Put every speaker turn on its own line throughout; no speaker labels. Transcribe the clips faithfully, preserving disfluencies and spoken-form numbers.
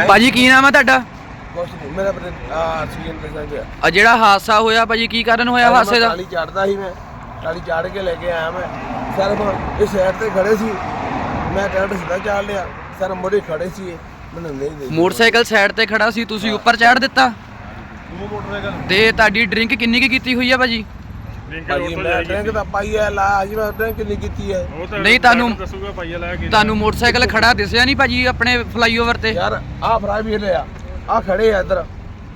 ਭਾਜੀ ਕੀ ਨਾਮ ਹੈ ਤੁਹਾਡਾ?
ਕੁਛ ਨਹੀਂ, ਮੇਰਾ ਐਕਸੀਡੈਂਟ ਹੋ ਗਿਆ।
ਆ ਜਿਹੜਾ ਹਾਦਸਾ ਹੋਇਆ ਭਾਜੀ ਕੀ ਕਾਰਨ ਹੋਇਆ ਹਾਦਸੇ ਦਾ?
ਟਾਲੀ ਚੜਦਾ ਸੀ, ਮੈਂ ਟਾਲੀ ਚੜ ਕੇ ਲੈ ਕੇ ਆਇਆ। ਮੈਂ ਸਰ ਇਸ ਸਾਈਡ ਤੇ ਖੜੇ ਸੀ, ਮੈਂ ਟਰੈਕਟਰ ਸਿੱਧਾ ਚਾੜ ਲਿਆ। ਸਰ ਮੋੜੇ ਖੜੇ ਸੀ, ਮੈਨੂੰ ਨਹੀਂ ਦੇ।
ਮੋਟਰਸਾਈਕਲ ਸਾਈਡ ਤੇ ਖੜਾ ਸੀ, ਤੁਸੀਂ ਉੱਪਰ ਚੜ੍ਹ ਦਿੱਤਾ
ਉਹ ਮੋਟਰਸਾਈਕਲ
ਤੇ ਤੁਹਾਡੀ ਡਰਿੰਕ ਕਿੰਨੀ ਕੀ ਕੀਤੀ ਹੋਈ ਆ ਭਾਜੀ?
ਭਾਜੀ ਮੈਂ ਡਰਿੰਕ ਤਾਂ ਪਾਈ ਹੈ ਲਾ ਜੀ, ਮੈਂ ਡਰਿੰਕ ਕਿੰਨੀ ਕੀਤੀ ਹੈ
ਨਹੀਂ ਤੁਹਾਨੂੰ ਦੱਸੂਗਾ ਪਾਈਆ ਲੈ ਕੇ। ਤੁਹਾਨੂੰ ਮੋਟਰਸਾਈਕਲ ਖੜਾ ਦਿਸਿਆ ਨਹੀਂ ਭਾਜੀ ਆਪਣੇ ਫਲਾਈਓਵਰ ਤੇ?
ਯਾਰ ਆਹ ਫਰਾਈ ਵੀ ਲਿਆ, ਆਹ ਖੜੇ ਆ ਇੱਧਰ,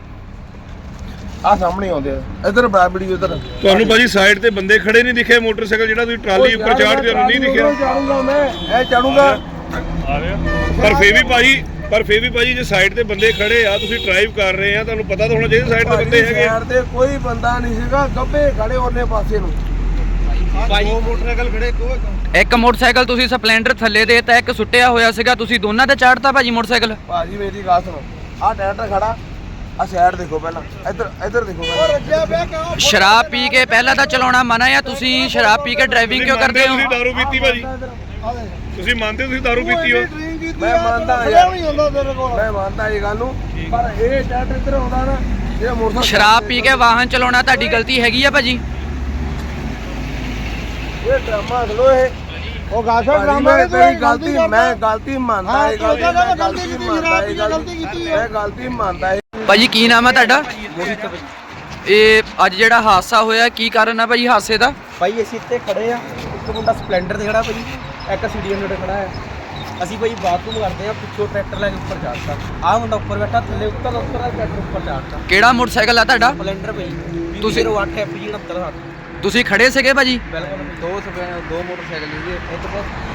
ਆਹ ਸਾਹਮਣੇ ਆਉਂਦੇ ਆ ਇੱਧਰ ਬਰਾਬੜੀ ਉਧਰ।
ਤੁਹਾਨੂੰ ਭਾਜੀ ਸਾਈਡ ਤੇ ਬੰਦੇ ਖੜੇ ਨਹੀਂ ਦਿਖੇ? ਮੋਟਰਸਾਈਕਲ ਜਿਹੜਾ ਤੁਸੀਂ ਟਰਾਲੀ ਉੱਪਰ ਚਾੜਦੇ ਹੋ ਨਹੀਂ ਦਿਖਿਆ?
ਚਾੜੂਗਾ ਮੈਂ, ਇਹ ਚਾੜੂਗਾ।
ਆ ਰਿਹਾ ਪਰ ਫੇਰ ਵੀ ਭਾਜੀ ਪਰ ਫੇਰ ਵੀ ਭਾਜੀ ਜੇ ਸਾਈਡ ਤੇ ਬੰਦੇ ਖੜੇ ਆ, ਤੁਸੀਂ ਡਰਾਈਵ ਕਰ ਰਹੇ ਆ, ਤੁਹਾਨੂੰ ਪਤਾ ਤਾਂ ਹੋਣਾ ਚਾਹੀਦਾ ਸਾਈਡ ਤੇ ਬੰਦੇ ਹੈਗੇ।
ਸਾਈਡ ਤੇ ਕੋਈ ਬੰਦਾ ਨਹੀਂ ਸੀਗਾ, ਗੱਬੇ ਖੜੇ ਉਹਨੇ ਪਾਸੇ ਨੂੰ।
ਦੋ ਮੋਟਰਸਾਈਕਲ ਖੜੇ,
ਇੱਕ ਮੋਟਰਸਾਈਕਲ ਤੁਸੀਂ ਸਪਲੈਂਡਰ ਥੱਲੇ ਦੇ ਤਾਂ ਇੱਕ ਸੁੱਟਿਆ ਹੋਇਆ ਸੀਗਾ, ਤੁਸੀਂ ਦੋਨਾਂ ਤੇ ਚਾੜਤਾ ਭਾਜੀ ਮੋਟਰਸਾਈਕਲ?
ਭਾਜੀ ਮੇਰੀ ਗੱਲ ਸੁਣੋ, ਆਹ ਟਰੈਕਟਰ ਖੜਾ, ਆ ਸਾਈਡ ਦੇਖੋ ਪਹਿਲਾਂ, ਇੱਧਰ ਇੱਧਰ ਦੇਖੋ ਪਹਿਲਾਂ।
ਸ਼ਰਾਬ ਪੀ ਕੇ ਪਹਿਲਾਂ ਤਾਂ ਚਲਾਉਣਾ ਮਨਾ ਆ, ਤੁਸੀਂ ਸ਼ਰਾਬ ਪੀ ਕੇ ਡਰਾਈਵਿੰਗ ਕਿਉਂ ਕਰਦੇ ਹੋ?
ਤੁਸੀਂ ਦਾਰੂ ਪੀਤੀ ਭਾਜੀ? ਤੁਸੀਂ ਮੰਨਦੇ ਹੋ ਤੁਸੀਂ ਦਾਰੂ ਪੀਤੀ ਹੋ?
ਮੈਂ ਮੰਨਦਾ ਯਾਰ, ਮੈਂ ਮੰਨਦਾ ਇਹ ਗੱਲ ਨੂੰ, ਪਰ ਇਹ ਟਰੈਕਟਰ ਇੱਧਰ ਆਉਂਦਾ ਨਾ, ਇਹ ਮੋਟਰਸਾਈਕਲ
ਸ਼ਰਾਬ ਪੀ ਕੇ ਵਾਹਨ ਚਲਾਉਣਾ ਤੁਹਾਡੀ ਗਲਤੀ ਹੈਗੀ ਆ ਭਾਜੀ?
ਇਹ ਡਰਾਮਾ ਖਲੋ ਇਹ ਉਹ ਗਾਸਾ ਡਰਾਮਾ ਹੈ। ਤੇਰੀ ਗਲਤੀ, ਮੈਂ ਗਲਤੀ ਮੰਨਦਾ ਇਹ ਗੱਲ, ਮੈਂ ਗਲਤੀ ਮੰਨਦਾ ਇਹ ਗੱਲ, ਮੈਂ ਗਲਤੀ ਮੰਨਦਾ।
ਭਾਜੀ ਕੀ ਨਾਮ ਹੈ ਤੁਹਾਡਾ? ਇਹ ਅੱਜ ਜਿਹੜਾ ਹਾਦਸਾ ਹੋਇਆ ਕੀ ਕਾਰਨ ਆ ਭਾਜੀ ਹਾਦਸੇ ਦਾ?
ਭਾਈ ਅਸੀਂ ਇੱਥੇ ਖੜੇ ਆ, ਇੱਕ ਮੁੰਡਾ ਸਪਲੈਂਡਰ ਤੇ ਖੜਾ ਭਾਈ, ਇੱਕ ਸੀਡੀਐਮ ਤੇ ਖੜਾ ਹੈ। ਅਸੀਂ ਭਾਈ ਬਾਥਰੂਮ ਕਰਦੇ ਆ, ਪਿੱਛੋਂ ਟਰੈਕਟਰ ਲੈ ਕੇ ਉੱਪਰ ਚੜ੍ਹਤਾ। ਆਹ ਮੁੰਡਾ ਉੱਪਰ ਬੈਠਾ, ਥੱਲੇ ਉੱਤਰ ਉੱਤਰ ਟਰੈਕਟਰ ਉੱਪਰ ਚੜ੍ਹਤਾ।
ਕਿਹੜਾ ਮੋਟਰਸਾਈਕਲ ਆ ਤੁਹਾਡਾ?
ਸਪਲੈਂਡਰ ਭਾਈ,
ਤੁਸੀਂ-
ਤੁਸੀਂ ਅੱਠ ਐਫ ਜੀ ਉਨੱਤਰ ਹੱਥ।
ਤੁਸੀਂ ਖੜੇ ਸੀਗੇ ਭਾਜੀ?
ਬਿਲਕੁਲ ਦੋ ਸਪੈ ਦੋ ਮੋਟਰਸਾਈਕਲ ਸੀਗੇ, ਇੱਕ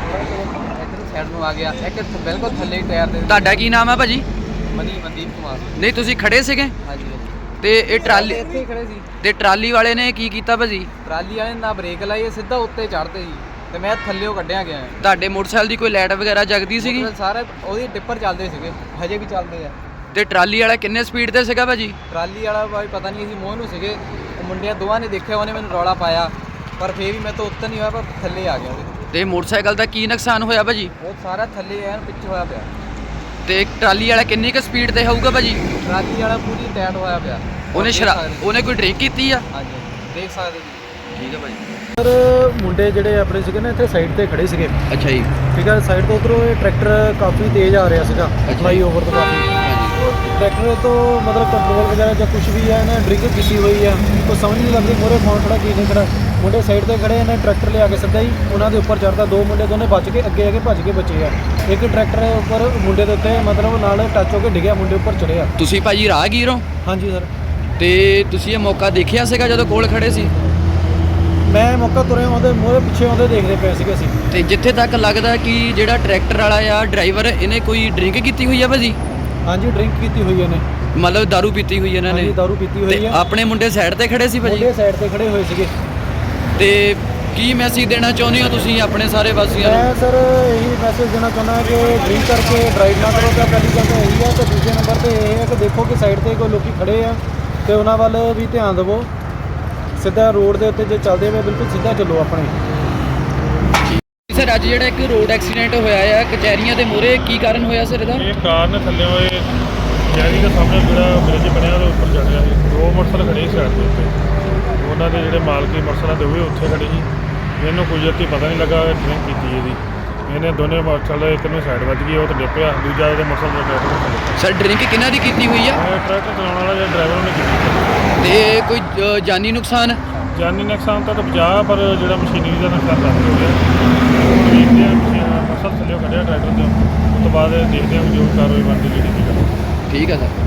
ਬਸ ਇੱਧਰ ਸਾਈਡ ਨੂੰ ਆ ਗਿਆ, ਇੱਕ ਬਿਲਕੁਲ ਥੱਲੇ ਟਾਇਰ ਦੇ।
ਤੁਹਾਡਾ ਕੀ ਨਾਮ ਆ ਭਾਜੀ?
ਮਨੀ ਮਨਦੀਪ ਕੁਮਾਰ।
ਨਹੀਂ ਤੁਸੀਂ ਖੜੇ ਸੀਗੇ
ਹਾਂਜੀ
ਤੇ ਇਹ ਟਰਾਲੀ
ਇੱਥੇ ਹੀ ਖੜੇ ਸੀ।
ਤੇ ਟਰਾਲੀ ਵਾਲੇ ਨੇ ਕੀ ਕੀਤਾ ਭਾਜੀ?
ਟਰਾਲੀ ਵਾਲੇ ਨੇ ਨਾ ਬ੍ਰੇਕ ਲਾਈ, ਇਹ ਸਿੱਧਾ ਉੱਤੇ ਚੜ੍ਹਦੇ ਸੀ ਤੇ ਮੈਂ ਥੱਲੇੋਂ ਕੱਢਿਆ ਗਿਆ।
ਤੁਹਾਡੇ ਮੋਟਰਸਾਈਕਲ ਦੀ ਕੋਈ ਲਾਈਟ ਵਗੈਰਾ ਜਗਦੀ ਸੀਗੀ?
ਸਾਰੇ ਉਹਦੀ ਟਿੱਪਰ ਚੱਲਦੇ ਸੀਗੇ, ਹਜੇ ਵੀ ਚੱਲਦੇ ਆ।
ਤੇ ਟਰਾਲੀ ਵਾਲਾ ਕਿੰਨੇ ਸਪੀਡ ਤੇ ਸੀਗਾ ਭਾਜੀ?
ਟਰਾਲੀ ਵਾਲਾ ਭਾਈ ਪਤਾ ਨਹੀਂ, ਅਸੀਂ ਮੋਹ ਨੂੰ ਸੀਗੇ, ਉਹ ਮੁੰਡਿਆਂ ਦੋਵਾਂ ਨੇ ਦੇਖਿਆ, ਉਹਨੇ ਮੈਨੂੰ ਰੌਲਾ ਪਾਇਆ, ਪਰ ਫੇਰ ਵੀ ਮੈਂ ਤਾਂ ਉੱਤਰ ਨਹੀਂ ਹੋਇਆ, ਪਰ ਥੱਲੇ ਆ ਗਿਆ ਉਹਦੇ।
ਤੇ ਮੋਟਰਸਾਈਕਲ ਦਾ ਕੀ ਨੁਕਸਾਨ ਹੋਇਆ ਭਾਜੀ?
ਉਹ ਸਾਰਾ ਥੱਲੇ ਐਨ ਪਿੱਛੇ ਹੋਇਆ ਪਿਆ।
ਤੇ ਟਰਾਲੀ ਵਾਲਾ ਕਿੰਨੀ ਕੁ ਸਪੀਡ ਤੇ ਹੋਊਗਾ ਭਾਜੀ?
ਟਰਾਲੀ ਵਾਲਾ ਪੂਰੀ ਟਾਇਟ ਹੋਇਆ ਪਿਆ।
ਉਹਨੇ ਸ਼ਰਾਬ ਉਹਨੇ ਕੋਈ ਡਰਿੰਕ ਕੀਤੀ ਆ?
ਹਾਂਜੀ ਦੇਖ ਸਕਦੇ ਜੀ।
ਠੀਕ ਹੈ ਭਾਜੀ।
ਸਰ ਮੁੰਡੇ ਜਿਹੜੇ ਆਪਣੇ ਸੀਗੇ ਨਾ ਇੱਥੇ ਸਾਈਡ ਤੇ ਖੜੇ ਸੀਗੇ,
ਅੱਛਾ ਜੀ।
ਠੀਕ ਹੈ। ਸਾਈਡ ਤੋਂ ਉਧਰੋਂ ਇਹ ਟਰੈਕਟਰ ਕਾਫੀ ਤੇਜ਼ ਆ ਰਿਹਾ ਸੀਗਾ, ਫਲਾਈ ਓਵਰ ਤੋਂ ਕਾਫੀ। ਟਰੈਕਟਰ ਤੋਂ ਮਤਲਬ ਕੰਟਰੋਲ ਵਗੈਰਾ ਜਾਂ ਕੁਝ ਵੀ ਹੈ, ਇਹਨੇ ਡਰਿੰਕ ਕੀਤੀ ਹੋਈ ਆ, ਕੋਈ ਸਮਝ ਨਹੀਂ ਲੱਗਦੀ ਮੋਰੇ ਕੌਣ ਖੜਾ ਕੀ ਨਹੀਂ ਖੜਾ। ਮੁੰਡੇ ਸਾਈਡ ਤੇ ਖੜੇ, ਇਹਨੇ ਟਰੈਕਟਰ ਲਿਆ ਕੇ ਸਿੱਧਾ ਹੀ ਉਹਨਾਂ ਦੇ ਉੱਪਰ ਚੜ੍ਹਦਾ। ਦੋ ਮੁੰਡੇ ਦੋਨੇ ਬਚ ਕੇ ਅੱਗੇ ਆ ਕੇ ਭੱਜ ਕੇ ਬਚੇ ਆ। ਇੱਕ ਟਰੈਕਟਰ ਉੱਪਰ ਮੁੰਡੇ ਦੇ ਉੱਤੇ ਮਤਲਬ ਨਾਲ ਟੱਚ ਹੋ ਕੇ ਡਿੱਗਿਆ, ਮੁੰਡੇ ਉੱਪਰ ਚੜ੍ਹਿਆ।
ਤੁਸੀਂ ਭਾਜੀ ਰਾਹਗੀਰ ਹੋ?
ਹਾਂਜੀ ਸਰ।
ਤੇ ਤੁਸੀਂ ਇਹ ਮੌਕਾ ਦੇਖਿਆ ਸੀਗਾ ਜਦੋਂ ਕੋਲ ਖੜੇ ਸੀ?
ਮੈਂ ਮੌਕਾ ਤੁਰੇ ਆਉਂਦੇ ਮੋਰੇ ਪਿੱਛੇ ਆਉਂਦੇ ਦੇਖਦੇ ਪਏ ਸੀਗੇ ਅਸੀਂ।
ਤੇ ਜਿੱਥੇ ਤੱਕ ਲੱਗਦਾ ਕਿ ਜਿਹੜਾ ਟਰੈਕਟਰ ਵਾਲਾ ਆ ਡਰਾਈਵਰ, ਇਹਨੇ ਕੋਈ ਡਰਿੰਕ ਕੀਤੀ ਹੋਈ ਆ ਭਾਜੀ?
ਹਾਂਜੀ ਡਰਿੰਕ ਕੀਤੀ ਹੋਈ ਇਹਨੇ,
ਮਤਲਬ ਦਾਰੂ ਪੀਤੀ ਹੋਈ ਇਹਨਾਂ ਨੇ?
ਹਾਂਜੀ ਦਾਰੂ ਪੀਤੀ ਹੋਈ
ਤੇ
ਹੈ।
ਆਪਣੇ ਮੁੰਡੇ ਸਾਈਡ ਤੇ ਖੜੇ ਸੀ ਭਾਜੀ?
ਮੁੰਡੇ ਸਾਈਡ ਤੇ ਖੜੇ ਹੋਏ ਸੀਗੇ।
ਤੇ ਕੀ ਮੈਸੇਜ ਦੇਣਾ ਚਾਹੁੰਦੇ ਹੋ ਤੁਸੀਂ ਆਪਣੇ ਸਾਰੇ ਵਾਸੀਆਂ ਨੂੰ?
ਮੈਂ ਸਰ ਇਹੀ ਮੈਸੇਜ ਦੇਣਾ ਚਾਹੁੰਦਾ ਕਿ ਡਰਿੰਕ ਕਰਕੇ ਡਰਾਈਵ ਨਾ ਕਰੋ। ਤਾਂ ਪਹਿਲੀ ਗੱਲ ਤਾਂ ਇਹੀ ਹੈ, ਤੇ ਦੂਜੇ ਨੰਬਰ ਤੇ ਇਹ ਹੈ ਕਿ ਦੇਖੋ ਕਿ ਸਾਈਡ ਤੇ ਕੋਈ ਲੋਕੀ ਖੜੇ ਆ ਤੇ ਉਹਨਾਂ ਵੱਲ ਵੀ ਧਿਆਨ ਦੇਵੋ। ਸਿੱਧਾ ਰੋਡ ਦੇ ਉੱਤੇ ਜੇ ਚੱਲਦੇ ਹੋਏ ਬਿਲਕੁਲ ਸਿੱਧਾ ਚੱਲੋ ਆਪਣੇ।
ਸਰ ਅੱਜ ਜਿਹੜਾ ਇੱਕ ਰੋਡ ਐਕਸੀਡੈਂਟ ਹੋਇਆ ਆ ਕਚਹਿਰੀਆਂ ਦੇ ਮੂਹਰੇ, ਕੀ ਕਾਰਨ ਹੋਇਆ ਸਰ ਇਹਦਾ?
ਇਹ ਕਾਰ ਨੇ ਥੱਲੇ ਹੋਏ ਕਚਹਿਰੀ ਦੇ ਸਾਹਮਣੇ ਜਿਹੜਾ ਬ੍ਰਿਜ ਬਣਿਆ ਉਹਦੇ ਉੱਪਰ ਚੜ੍ਹ ਗਿਆ ਸੀ। ਦੋ ਮੋਟਰਸਾਈਕਲ ਖੜੇ ਸੀ ਸਾਈਡ ਦੇ ਉੱਤੇ, ਉਹਨਾਂ ਦੇ ਜਿਹੜੇ ਮਾਲਕੀ ਮੋਟਰਸਾਈਕਲ ਦੇ ਉਹ ਉੱਥੇ ਖੜੇ ਸੀ। ਇਹਨੂੰ ਕੁਦਰਤੀ ਪਤਾ ਨਹੀਂ ਲੱਗਾ ਡਰਿੰਕ ਕੀਤੀ ਇਹਦੀ, ਇਹਨੇ ਦੋਨੇ ਮੋਟਰਸਾਈਕਲ ਇੱਕ ਨੂੰ ਸਾਈਡ ਵੱਜ ਗਈ, ਉਹ ਤਾਂ ਡਿੱਪਿਆ, ਦੂਜਾ ਉਹਦੇ ਮੋਟਰਸਾਈਕਲ ਦਾ ਟਰੈਕਟਰ।
ਸਰ ਡਰਿੰਕ ਕਿਹਨਾਂ ਦੀ ਕੀਤੀ ਹੋਈ ਆ?
ਟਰੈਕਟਰ ਚਲਾਉਣ ਵਾਲਾ ਜਿਹੜਾ ਡਰਾਈਵਰ ਉਹਨੇ ਕੀਤੀ।
ਤੇ ਕੋਈ ਅ, ਜਾਨੀ ਨੁਕਸਾਨ?
ਜਾਨੀ ਨੁਕਸਾਨ ਤਾਂ ਬਚਾ, ਪਰ ਜਿਹੜਾ ਮਸ਼ੀਨਰੀ ਦਾ ਨੁਕਸਾਨ ਕਾਫੀ ਹੋ ਗਿਆ। ਹੁਣ ਦੇਖਦੇ ਹਾਂ ਮੋਟਰਸਾਈਕਲ ਥੱਲੇ ਕੱਢਿਆ ਟਰੈਕਟਰ ਤੋਂ, ਉਸ ਤੋਂ ਬਾਅਦ ਦੇਖਦੇ ਹਾਂ ਜੋ ਕਾਰਵਾਈ ਬਣਦੀ ਜਿਹੜੀ।
ਠੀਕ ਹੈ ਸਰ।